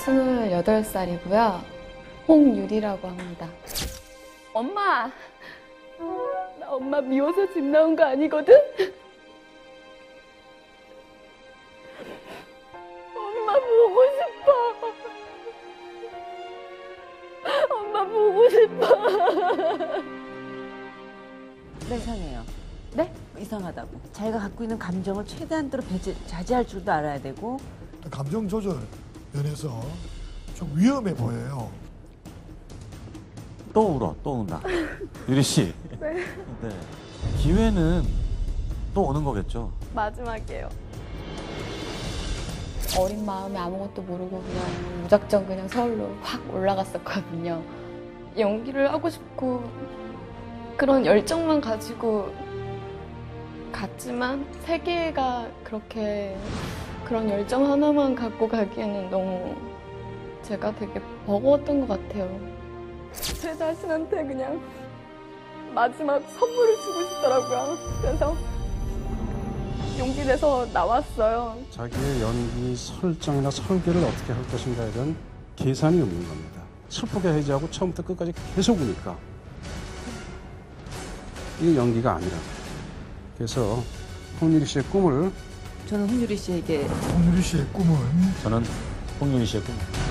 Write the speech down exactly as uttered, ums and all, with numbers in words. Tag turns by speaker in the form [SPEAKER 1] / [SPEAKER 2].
[SPEAKER 1] 스물여덟 살이고요. 홍유리라고 합니다. 엄마! 나 엄마 미워서 집 나온 거 아니거든? 엄마 보고 싶어. 엄마 보고 싶어.
[SPEAKER 2] 네, 이상해요.
[SPEAKER 1] 네?
[SPEAKER 2] 이상하다고. 자기가 갖고 있는 감정을 최대한대로 배제, 자제할 줄도 알아야 되고.
[SPEAKER 3] 감정 조절 면에서 좀 위험해 보여요.
[SPEAKER 4] 또 울어, 또 운다. 유리 씨.
[SPEAKER 1] 네.
[SPEAKER 4] 네. 기회는 또 오는 거겠죠?
[SPEAKER 1] 마지막이에요. 어린 마음에 아무것도 모르고 그냥 무작정 그냥 서울로 확 올라갔었거든요. 연기를 하고 싶고 그런 열정만 가지고 갔지만 세계가 그렇게 그런 열정 하나만 갖고 가기에는 너무 제가 되게 버거웠던 것 같아요. 제 자신한테 그냥 마지막 선물을 주고 싶더라고요. 그래서 용기 내서 나왔어요.
[SPEAKER 5] 자기의 연기 설정이나 설계를 어떻게 할 것인가에 대한 계산이 없는 겁니다. 슬프게 해지하고 처음부터 끝까지 계속 우니까 이게 연기가 아니라. 그래서 홍유리 씨의 꿈을
[SPEAKER 2] 저는 홍유리 씨에게
[SPEAKER 3] 홍유리 씨의 꿈은
[SPEAKER 4] 저는 홍윤희 씨의 꿈.